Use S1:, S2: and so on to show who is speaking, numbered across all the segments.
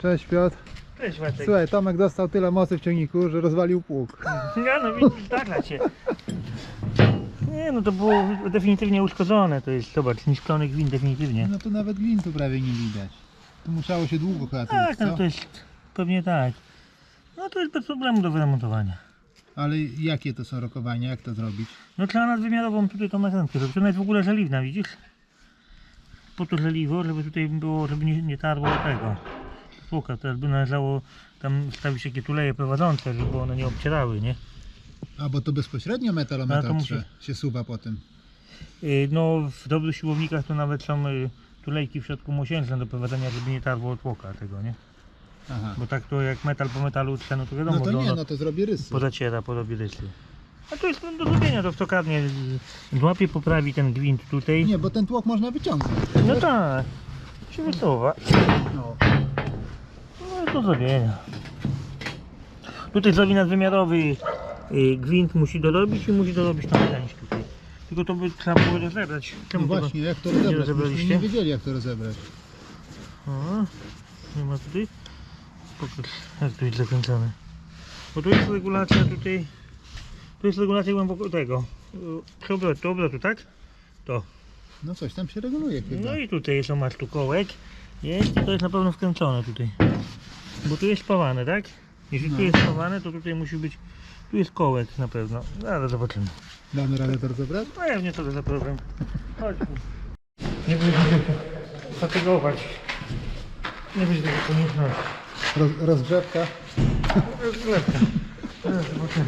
S1: Cześć Piotr.
S2: Cześć Wacek.
S1: Słuchaj, Tomek dostał tyle mocy w ciągniku, że rozwalił pług.
S2: Ja no widzisz, zdarza się. Nie no to było definitywnie uszkodzone, to jest, zobacz, niszczony gwint definitywnie.
S1: No to nawet gwintu prawie nie widać. Tu musiało się długo chyba
S2: Tak,
S1: co?
S2: no to jest, pewnie tak. No to jest bez problemu do wyremontowania.
S1: Ale jakie to są rokowania, jak to zrobić?
S2: No trzeba nadwymiarową tutaj tą nakrętkę zrobić, ona jest w ogóle żeliwna, widzisz? Po to żeliwo, żeby tutaj było, żeby nie tarło tego tłoka. Teraz by należało tam stawić takie tuleje prowadzące, żeby one nie obcierały, nie?
S1: A bo to bezpośrednio metalometr
S2: Ale to
S1: się suwa po tym.
S2: No w dobrych siłownikach to nawet są tulejki w środku mosiężne do prowadzenia, żeby nie tarło od tłoka tego, nie?
S1: Aha.
S2: Bo tak to jak metal po metalu trze, no to wiadomo,
S1: No to
S2: że
S1: nie,
S2: ono
S1: no to zrobi rysy.
S2: pozaciera, porobi rysy. A to jest do zrobienia, to w tokarnie złapie, poprawi ten gwint tutaj.
S1: Nie, bo ten tłok można wyciągnąć.
S2: No tak, się wysuwa.
S1: No.
S2: No do zrobienia. Tutaj zrobi nadwymiarowy gwint musi dorobić i musi dorobić tą część tutaj. Tylko to by trzeba było rozebrać.
S1: No
S2: Czemu tego
S1: właśnie, jak to
S2: nie
S1: rozebrać? Myśmy
S2: rozebraliście?
S1: nie wiedzieli jak to rozebrać.
S2: O, nie ma tutaj. Pokaż, jak to jest zakręcone. Bo tu jest regulacja tutaj. Tu jest regulacja głęboko tego. Obrotu, tak? To.
S1: No coś tam się reguluje chyba.
S2: No i tutaj jest, masz tu kołek. Jest i to jest na pewno wkręcone tutaj. Bo tu jest spawane, tak? Jeśli tu jest spawane, to tutaj musi być. Tu jest kołek na pewno. Zaraz zobaczymy.
S1: Damy radę to rozebrać?
S2: Pewnie to za problem. Chodź. Nie będzie tego fatygować. Nie będzie tego konieczności.
S1: Rozgrzewka.
S2: Rozgrzewka. Zaraz zobaczymy.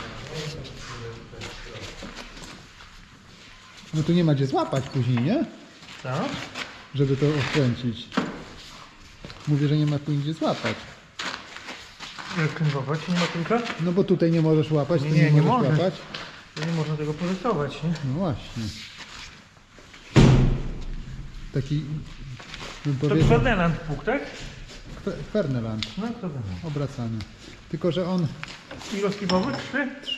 S1: No tu nie ma gdzie złapać później, nie?
S2: Co?
S1: Żeby to odkręcić. Mówię, że nie ma tu gdzie złapać.
S2: Jak kręgować? Nie ma tylko?
S1: No bo tutaj nie możesz łapać, tu
S2: Nie
S1: nie możesz
S2: można.
S1: łapać.
S2: Nie można tego porysować, nie?
S1: No właśnie. Taki, bym
S2: To
S1: powiedział,
S2: Ferdynand Puk, tak?
S1: Ferneland,
S2: No Ferdynand.
S1: obracany. Tylko, że on
S2: Ilościowy? 3?
S1: 3.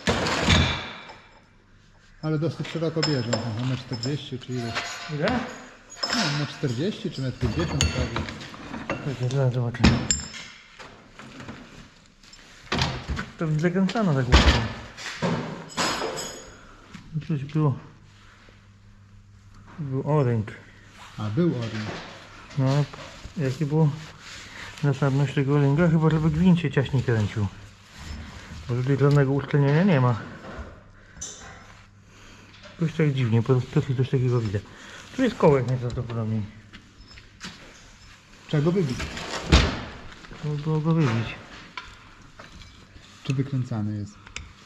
S1: Ale dosyć szeroko bierze. Aha, na 40 czy ile?
S2: Ile?
S1: No, na 40 czy na 50 prawie.
S2: Czekaj, zaraz zobaczymy. To zakręcano tak łatwo. Coś było. Był o-ring.
S1: A, był oring.
S2: No, jakie było zasadność tego o-ringa? Chyba, żeby gwint się ciaśniej kręcił. Bo tutaj żadnego uszczelnienia nie ma. Coś tak dziwnie, po prostu coś takiego widzę. Tu jest kołek najprawdopodobniej.
S1: Trzeba go wybić.
S2: Trzeba było go wybić.
S1: Czy wykręcany jest?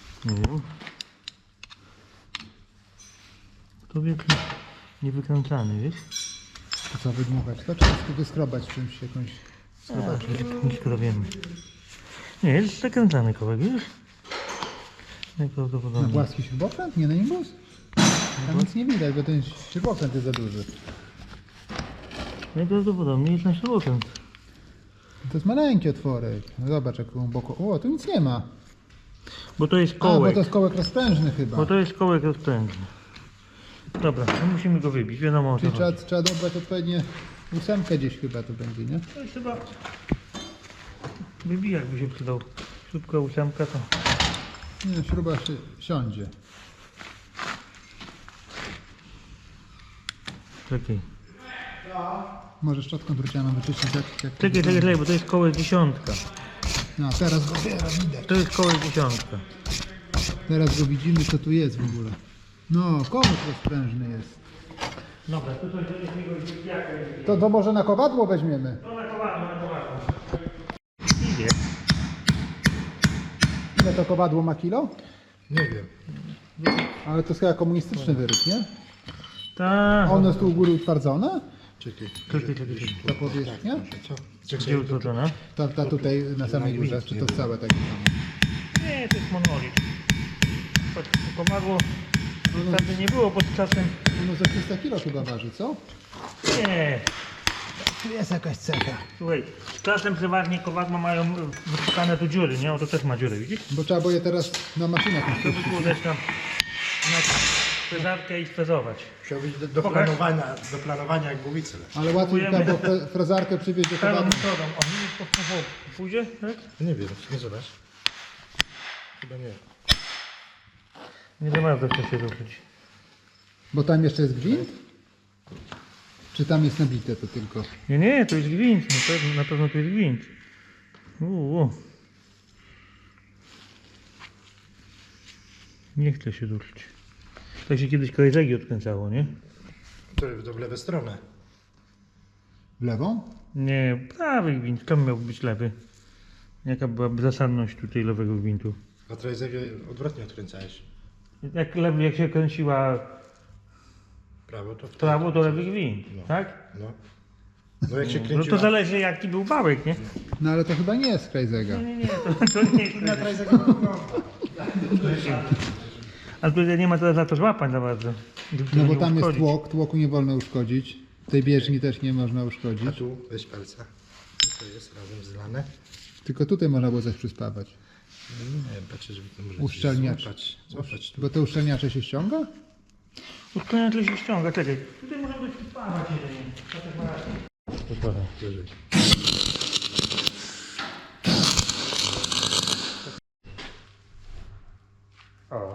S2: To nie wykręcany, wiesz?
S1: To co, wydmuchać to? Czy to wyskrobać czymś, jakąś skrobaczką?
S2: Nie skrobiemy. Nie, jest zakręcany kołek, wiesz?
S1: Na
S2: Najprawdopodobniej.
S1: płaski śrubokręt? Nie na nimbus? Tam nic nie widać, bo ten śrubokręt jest za duży.
S2: Najprawdopodobniej jest na śrubokręt.
S1: To jest maleńki otworek. No zobacz jak głęboko. O, tu nic nie ma.
S2: Bo to jest
S1: A,
S2: kołek.
S1: bo to jest kołek rozprężny chyba.
S2: Bo to jest kołek rozpędny. Dobra, no musimy go wybić, wiadomo o co
S1: Czyli
S2: chodzi.
S1: trzeba dobrać odpowiednie ósemkę gdzieś chyba to będzie, nie?
S2: To jest chyba... Wybijak by się przydał. Śrubka, ósemka to...
S1: Nie no, śruba się siądzie.
S2: Czekaj.
S1: Może szczotką drucianą wyczyścić jak...
S2: Czekaj, bo to jest kołek dziesiątka.
S1: No, teraz go widać.
S2: To jest kołek dziesiątka.
S1: Teraz go widzimy, co tu jest w ogóle. No, kołek rozprężny jest.
S2: Dobra, to jest jakiegoś wybijaka.
S1: To może na kowadło weźmiemy?
S2: To na kowadło. Idzie.
S1: Ile to kowadło ma kilo?
S3: Nie wiem.
S1: Ale to jest chyba komunistyczny wyryk, nie?
S2: Tak.
S1: A ono jest tu u góry utwardzone?
S3: Czekaj.
S2: Czekaj.
S1: Ta powierzchnia?
S3: Co?
S2: Gdzie utworzona?
S1: Ta tutaj na samej górze, czy to całe takie samo?
S2: Nie, to jest monolit. To komadło wtedy nie było pod czasem.
S1: No za 300 kilo chyba waży, co?
S2: Nie.
S1: Tu jest jakaś cecha.
S2: Słuchaj, z czasem przeważnie kowadła mają wyszukane tu dziury, nie? O, to też ma dziury, widzisz?
S1: Bo trzeba było je teraz na maszynach
S2: To by było też tam frezarkę i sfrezować.
S3: Musiał być do
S2: Pokaż.
S3: planowania jak głowice.
S1: Ale łatwiej
S2: Kupujemy.
S1: było frezarkę przywieźć do
S2: Prawą
S1: towaru.
S2: metodą. O, widzisz, po pójdzie, tak?
S3: Nie wiem, nie zobacz. Chyba nie.
S2: Nie za bardzo chce się ruszyć.
S1: Bo tam jeszcze jest gwint? Czy tam jest nabite to tylko?
S2: Nie, to jest gwint. Na pewno to jest gwint. Nie chce się ruszyć. Tak się kiedyś kołezegi odkręcało, nie?
S3: To w lewą stronę.
S1: W lewą?
S2: Nie, prawy gwint. Tam miał być lewy. Jaka byłaby zasadność tutaj lewego gwintu?
S3: A trajzegę odwrotnie odkręcałeś.
S2: Jak się kręciła
S3: Prawo to w
S2: w prawo, to lewy gwint,
S3: No.
S2: tak?
S3: No. No jak się
S2: No
S3: kręciła...
S2: to zależy jaki był bałek, nie?
S1: No ale to chyba nie jest Krajzega.
S2: Nie, to nie jest.
S3: Na trajzegę wygląda.
S2: Ale tutaj nie ma teraz za to złapań za bardzo.
S1: No bo
S2: Nie
S1: tam jest
S2: uszkodzić.
S1: tłok, tłoku nie wolno uszkodzić. Tej bieżni też nie można
S3: A
S1: uszkodzić.
S3: tu weź palca. To jest razem zlane.
S1: Tylko tutaj można było coś przyspawać.
S3: Nie, patrzę, żeby to może
S1: Uszczelniacz.
S3: Złapać tu.
S1: Bo te uszczelniacze się ściąga?
S2: Uszczelniacz się ściąga, czekaj. Tutaj można być przypawać jedynie. Tak ma rację. To trochę.
S3: Wyżej.
S2: O.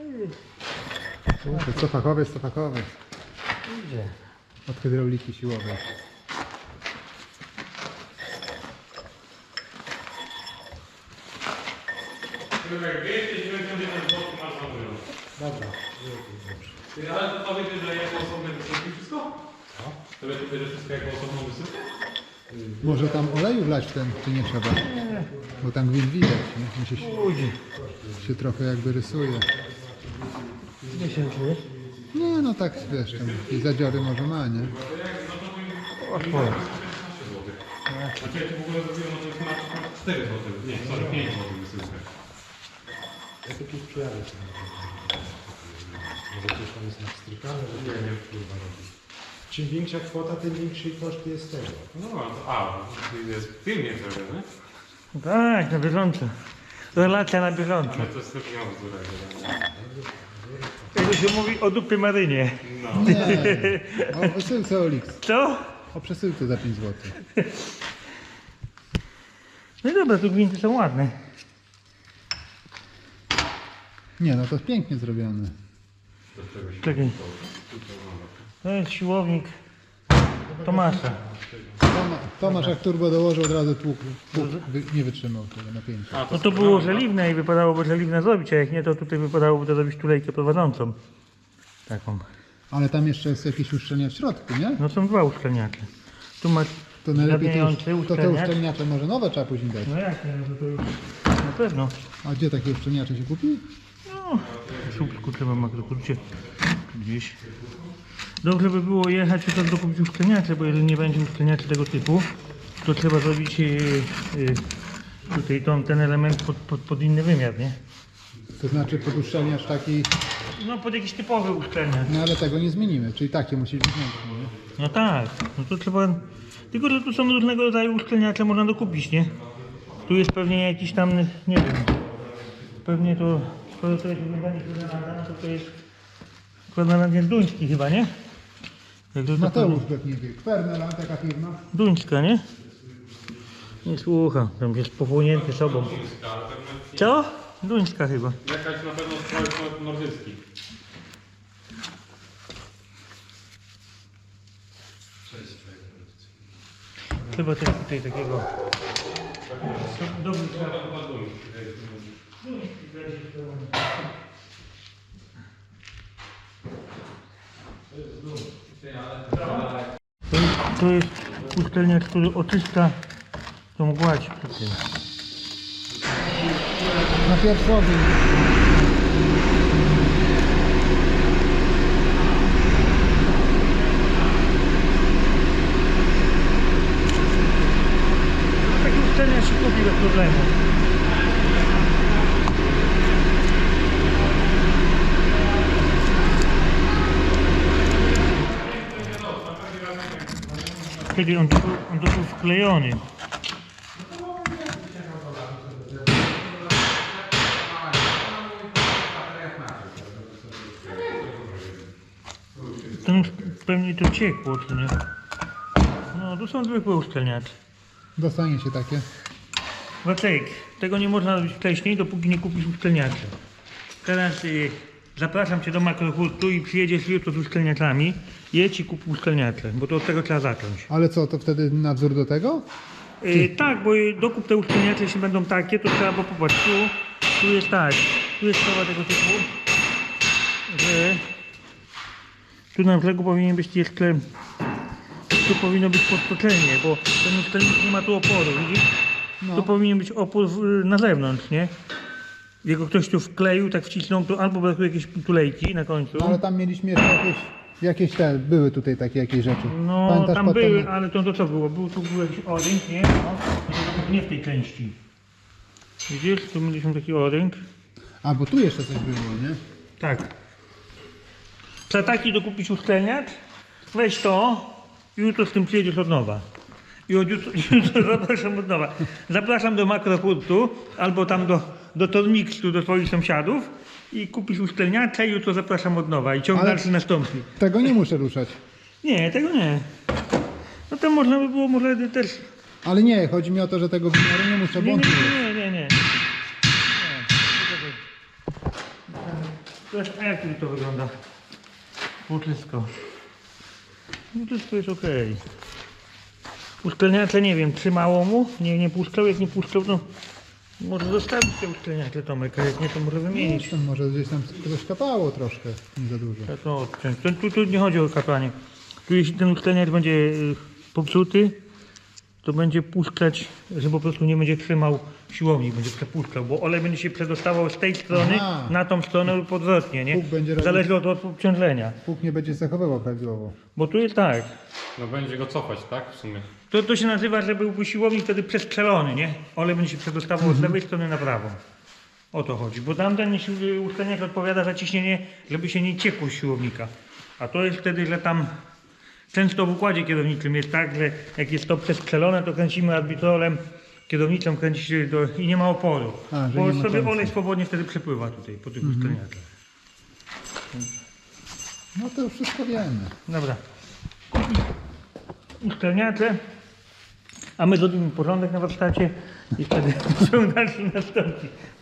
S1: To fachowiec, to fachowiec.
S2: Idzie.
S1: Od hydrauliki siłowej.
S4: Jak 291 zł masz za wyro.
S3: Dobra.
S4: Ty, ale to powiecie, że jako osobne wysyłki wszystko? To wy tutaj, że wszystko jako osobną wysyłkę?
S1: Może tam oleju wlać w ten, czy nie trzeba? Bo tam gwint widać, nie? Mi się trochę jakby rysuje.
S2: Nie się czujesz?
S1: Nie, no tak wiesz, tam i zadziory może ma, nie?
S4: Znaczy ja ci w ogóle zrobiłem, no to jest na 4 zł. Nie, sorry, 5 zł wysyłkę.
S3: Ja tu gdzieś przyjadę. Może coś tam jest nastrykane, że nie kurwa robi. Czym większa kwota, tym większy koszt jest tego.
S4: No, to jest pilnie zrobione.
S2: Tak, na bieżąco. Relacja na bieżąco.
S4: Ale to jest też miało złego.
S2: Jak się mówi o dupie marynie.
S4: No.
S1: Nie, o przesyłce Olix.
S2: Co?
S1: O przesyłce za 5 zł.
S2: No i dobra, tu gwinty są ładne.
S1: Nie, no to jest pięknie zrobione.
S2: Czekaj. To jest siłownik Tomasza.
S1: Tomasz jak turbo dołożył, od razu tłuk nie wytrzymał tego napięcia.
S2: No to było żeliwne i wypadałoby żeliwne zrobić, a jak nie, to tutaj wypadałoby to zrobić tulejkę prowadzącą. Taką.
S1: Ale tam jeszcze jest jakieś uszczelnia w środku, nie?
S2: No są dwa uszczelniacze. Tu masz
S1: To najlepiej
S2: zgadniający
S1: to te
S2: uszczelniacz.
S1: uszczelniacze może nowe trzeba później dać.
S2: No jak nie, no to już na pewno.
S1: A gdzie takie uszczelniacze się kupi?
S2: No, w słupku trzeba makrokurcie gdzieś. Dobrze by było jechać i tak dokupić uszczelniacze, bo jeżeli nie będzie uszczelniaczy tego typu, to trzeba zrobić tutaj ten element pod inny wymiar, nie?
S1: To znaczy pod uszczelniacz taki,
S2: No pod jakiś typowy uszczelniacz.
S1: no ale tego nie zmienimy, czyli takie musi być wnętrzne, nie?
S2: No tak, no to trzeba... Tylko, że tu są różnego rodzaju uszczelniacze, można dokupić, nie? Tu jest pewnie jakiś tam, nie wiem, pewnie to, skoro to jest wyglądanie Kronalda, no to jest Kronalda duński chyba, nie? Jak to
S1: Mateusz pewnie wie. Kwernela, taka firma.
S2: Duńska, nie? Nie słucham, tam jest pochłonięty sobą. Co? Duńska chyba.
S4: Jakaś na pewno strojek nordycki.
S2: Chyba też tutaj takiego... Dobry to jest uszczelniacz, który oczyszcza tą gładź przy tym.
S1: Na pierwszy ogień.
S2: Taki uszczelniacz się kupi bez problemu. Kiedy on tu był wklejony. pewnie to ciekło, czy nie? No, tu są zwykłe uszczelniacze.
S1: Dostaniecie takie.
S2: Wacek, tego nie można robić wcześniej, dopóki nie kupisz uszczelniaczy. Teraz zapraszam Cię do Makrohurtu i przyjedziesz jutro z uszczelniaczami. Jedź i kup uszczelniacze, bo to od tego trzeba zacząć.
S1: Ale co, to wtedy nadzór do tego?
S2: Tak, bo dokup te uszczelniacze, jeśli będą takie, to trzeba, bo popatrz, tu jest tak, tu jest sprawa tego typu, że tu na brzegu powinien być jeszcze, tu powinno być podtoczenie, bo ten uszczelnik nie ma tu oporu, widzisz?
S1: No.
S2: Tu powinien być opór na zewnątrz, nie? Jego ktoś tu wkleił, tak wcisnął, to albo brakuje jakieś tulejki na końcu.
S1: No, ale tam mieliśmy jeszcze jakieś te, były tutaj takie jakieś rzeczy.
S2: No,
S1: Pamiętasz,
S2: tam
S1: potem-
S2: były, ale to co było? Tu był jakiś orynk, nie? No, to nie w tej części. Widzisz, tu mieliśmy taki orynk.
S1: A, bo tu jeszcze coś było, nie?
S2: Tak. Trzeba taki dokupić uszczelniacz, weź to i jutro z tym przyjedziesz od nowa. I od jutro zapraszam od nowa. Zapraszam do Makrohurtu albo tam do Tormixu, do twoich sąsiadów i kupisz uszczelniacza i jutro zapraszam od nowa i ciąg
S1: Ale-
S2: dalszy nastąpi.
S1: Tego nie muszę ruszać.
S2: Nie, tego nie. No to można by było może też...
S1: Ale nie, chodzi mi o to, że tego wymiaru nie muszę, bo
S2: Nie,
S1: on
S2: nie,
S1: tu jest.
S2: nie, nie, nie, nie. Zobacz, a jak to wygląda? Płótlisko. Płótlisko jest ok. Uszczelniacze nie wiem, trzymało mu? Nie puszczał, jak nie puszczał, to może zostawić te uszczelniacze, Tomek, a jak nie, to może wymienić.
S1: Tam może gdzieś tam coś kapało troszkę, nie za dużo.
S2: Ja to odciąć. Tu nie chodzi o kapanie. Tu jeśli ten uszczelniacz będzie popsuty, to będzie puszczać, że po prostu nie będzie trzymał siłowni, będzie przepuszczał, bo olej będzie się przedostawał z tej strony
S1: Aha.
S2: na tą stronę lub odwrotnie, nie?
S1: Pług będzie robił-
S2: Zależy od obciążenia.
S1: Pług nie będzie zachowywał prawidłowo.
S2: Bo tu jest tak,
S4: No będzie go cofać, tak? W sumie.
S2: to się nazywa, że byłby siłownik wtedy przestrzelony, nie? Olej będzie się przedostawał z lewej strony na prawą. O to chodzi, bo tamten uszczelniacz odpowiada za ciśnienie, żeby się nie ciekło z siłownika. A to jest wtedy, że tam często w układzie kierowniczym jest tak, że jak jest to przestrzelone, to kręcimy arbitrolem, kierownicą kręci się i nie ma oporu.
S1: A, że
S2: Bo
S1: nie ma
S2: sobie
S1: tencji.
S2: olej swobodnie wtedy przepływa tutaj po tych uszczelniaczach.
S1: No to już wszystko wiemy.
S2: Dobra. Uszczelniacze, a my zrobimy porządek na warsztacie i wtedy ciąg dalszy nastąpi.